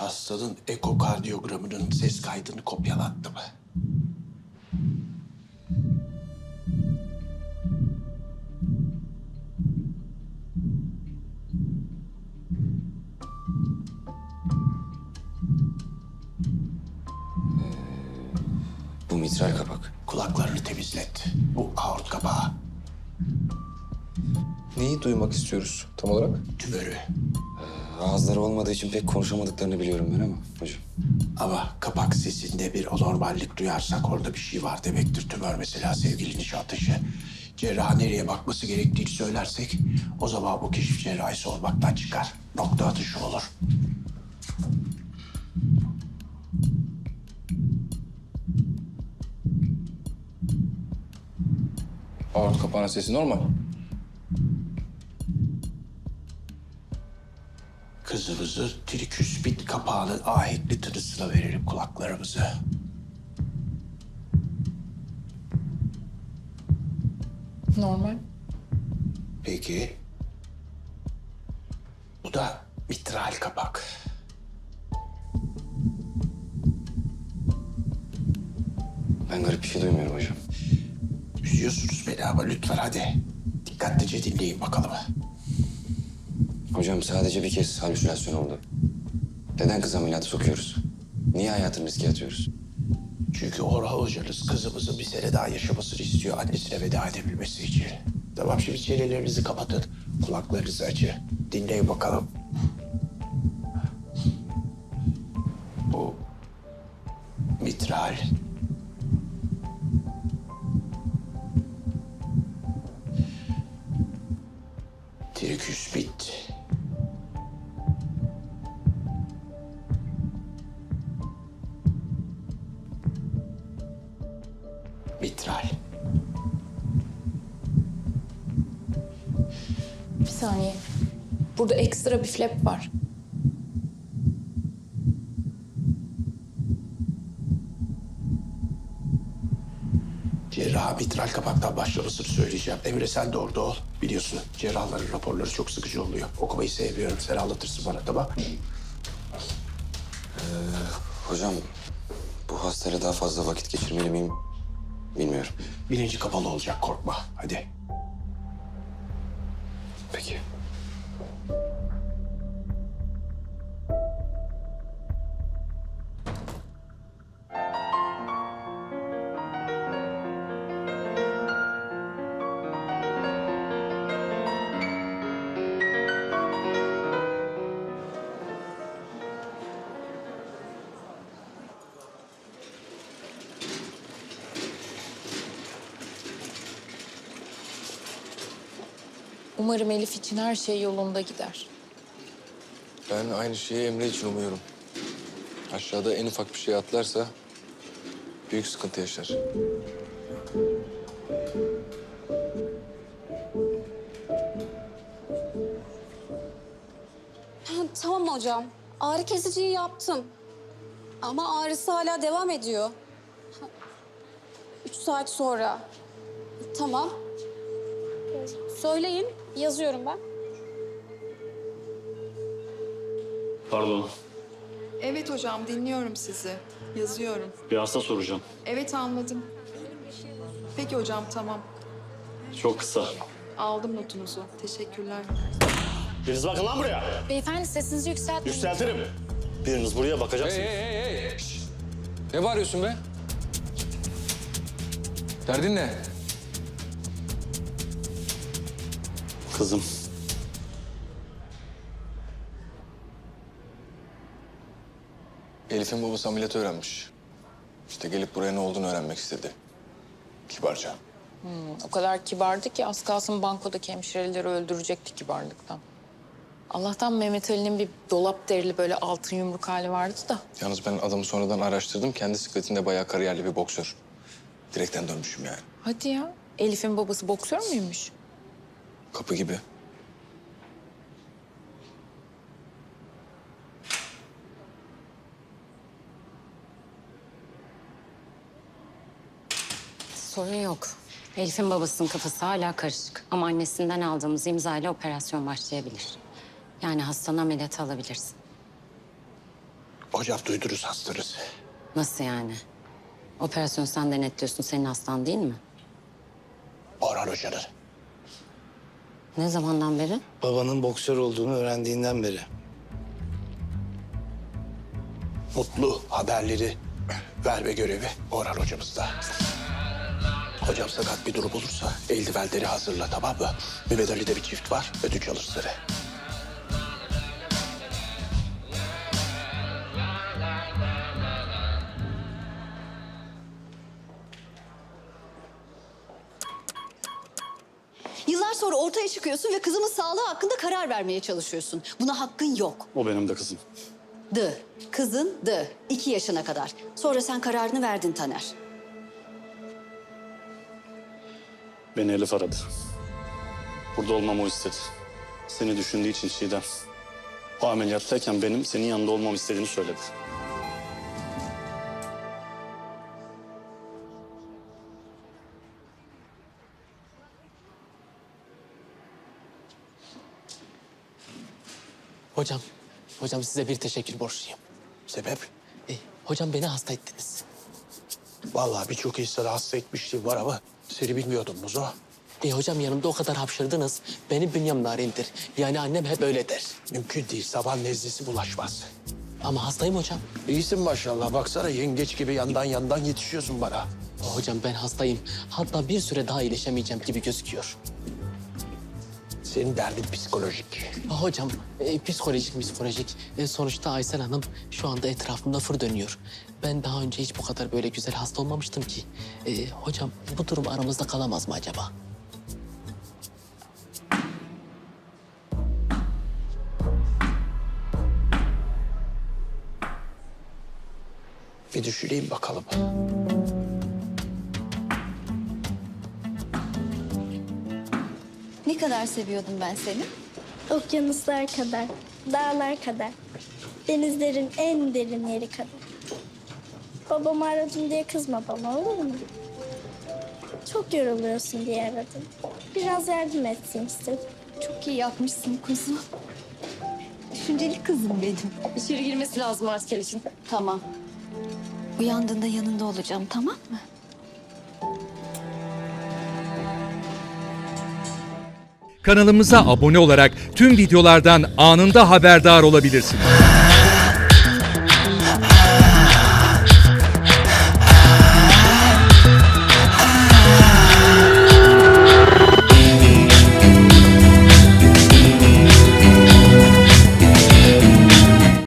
Hastanın ekokardiyogramının ses kaydını kopyalattı mı? Bu mitral kapak. Kulaklarını temizlet. Bu aort kapağı. Neyi duymak istiyoruz tam olarak? Tümörü. Ağızları olmadığı için pek konuşamadıklarını biliyorum ben ama hocam. Ama kapak sesinde bir anormallik duyarsak orada bir şey var demektir. Tümör mesela sevgili nişantaşı. Cerrah nereye bakması gerektiğini söylersek o zaman bu keşif cerrahisi olmaktan çıkar. Nokta atışı olur. Aort kapağının sesi normal. Kızımızı triküspit kapağının ahenkli tınısına verelim kulaklarımızı. Normal. Peki. Bu da mitral kapak. Ben garip bir şey duymuyorum hocam. Üzüyorsunuz beni ama lütfen hadi. Dikkatlice dinleyin bakalım. Hocam sadece bir kez halüsinasyon oldu. Neden kız ameliyatı sokuyoruz? Niye hayatını riske atıyoruz? Çünkü Orhan hocanız kızımızın bir sene daha yaşamasını istiyor annesine veda edebilmesi için. Tamam şimdi çenelerinizi kapatın. Kulaklarınızı açın. Dinleyin bakalım. Bu mitral. Triküspit. Mitral. Bir saniye. Burada ekstra bir flap var. Cerrah mitral kapaktan başlamasını söyleyeceğim. Emre sen de orada ol. Biliyorsun cerrahların raporları çok sıkıcı oluyor. Okumayı sevmiyorum. Sen anlatırsın bana tamam. Hocam bu hastayla daha fazla vakit geçirmeli miyim bilmiyorum. Bilinci kapalı olacak korkma. Hadi. Peki. Umarım Elif için her şey yolunda gider. Ben aynı şeyi Emre için umuyorum. Aşağıda en ufak bir şey atlarsa büyük sıkıntı yaşar. Tamam hocam. Ağrı kesiciyi yaptım. Ama ağrısı hala devam ediyor. 3 saat sonra. Tamam. Söyleyin, yazıyorum ben. Pardon, Evet hocam, dinliyorum sizi. Yazıyorum. bir hasta soracağım. Evet, anladım. Peki hocam, tamam. Çok kısa. Aldım notunuzu. Teşekkürler. Biriniz bakın lan buraya. Beyefendi sesinizi yükseltmeyin. Yükseltirim. Biriniz buraya bakacaksınız. Hey! Şişt! Ne bağırıyorsun be? Derdin ne? Kızım. Elif'in babası ameliyatı öğrenmiş. İşte gelip buraya ne olduğunu öğrenmek istedi. Kibarca. O kadar kibardı ki az kalsın bankodaki hemşireleri öldürecekti kibarlıktan. Allah'tan Mehmet Ali'nin bir dolap derili böyle altın yumruk hali vardı da. Yalnız ben adamı sonradan araştırdım. Kendi sikletinde bayağı kariyerli bir boksör. Direkten dönmüşüm yani. Hadi ya. Elif'in babası boksör müymüş? Kapı gibi. Sorun yok. Elif'in babasının kafası hala karışık. Ama annesinden aldığımız imzayla operasyon başlayabilir. Yani hastanın ameliyatı alabilirsin. Hocam duydunuz hastanız. Nasıl yani? Operasyonu sen denetliyorsun. Senin hastan değil mi? Orhan Hoca'nın. Ne zamandan beri? Babanın boksör olduğunu öğrendiğinden beri. Mutlu haberleri verme görevi Orhan Hocamızda. Hocam sakat bir durum olursa eldivenleri hazırla, tamam mı? Mehmet Ali'de bir çift var, ödünç alır seni. Yıllar sonra ortaya çıkıyorsun ve kızımın sağlığı hakkında karar vermeye çalışıyorsun. Buna hakkın yok. O benim de kızım. Kızın 2 yaşına kadar. Sonra sen kararını verdin Taner. Beni Elif aradı. Burada olmamı o istedi. Seni düşündüğü için Çiğdem. O ameliyattayken benim senin yanında olmamı istediğini söyledi. Hocam size bir teşekkür borçluyum. Sebep? Hocam beni hasta ettiniz. Vallahi birçok insanı hasta etmişliğim var ama seni bilmiyordum Muzo. Hocam yanımda o kadar hapşırdınız. Benim bünyem narindir. Yani annem hep öyle der. Mümkün değil, saban nezlesi bulaşmaz. Ama hastayım hocam. İyisin maşallah, baksana yengeç gibi yandan yetişiyorsun bana. Hocam ben hastayım. Hatta bir süre daha iyileşemeyeceğim gibi gözüküyor. Senin derdin psikolojik. Hocam psikolojik. Sonuçta Aysel Hanım şu anda etrafımda fır dönüyor. Ben daha önce hiç bu kadar böyle güzel hasta olmamıştım ki. Hocam bu durum aramızda kalamaz mı acaba? Bir düşüneyim bakalım. Ne kadar seviyordum ben seni? Okyanuslar kadar, dağlar kadar, denizlerin en derin yeri kadar. Babamı aradım diye kızma bana, olur mu? Çok yoruluyorsun diye aradım. Biraz yardım etsin istedim. Çok iyi yapmışsın kuzum. Düşünceli kızım benim. İçeri girmesi lazım asker için. Tamam. Uyandığında yanında olacağım, tamam mı? Kanalımıza abone olarak tüm videolardan anında haberdar olabilirsiniz.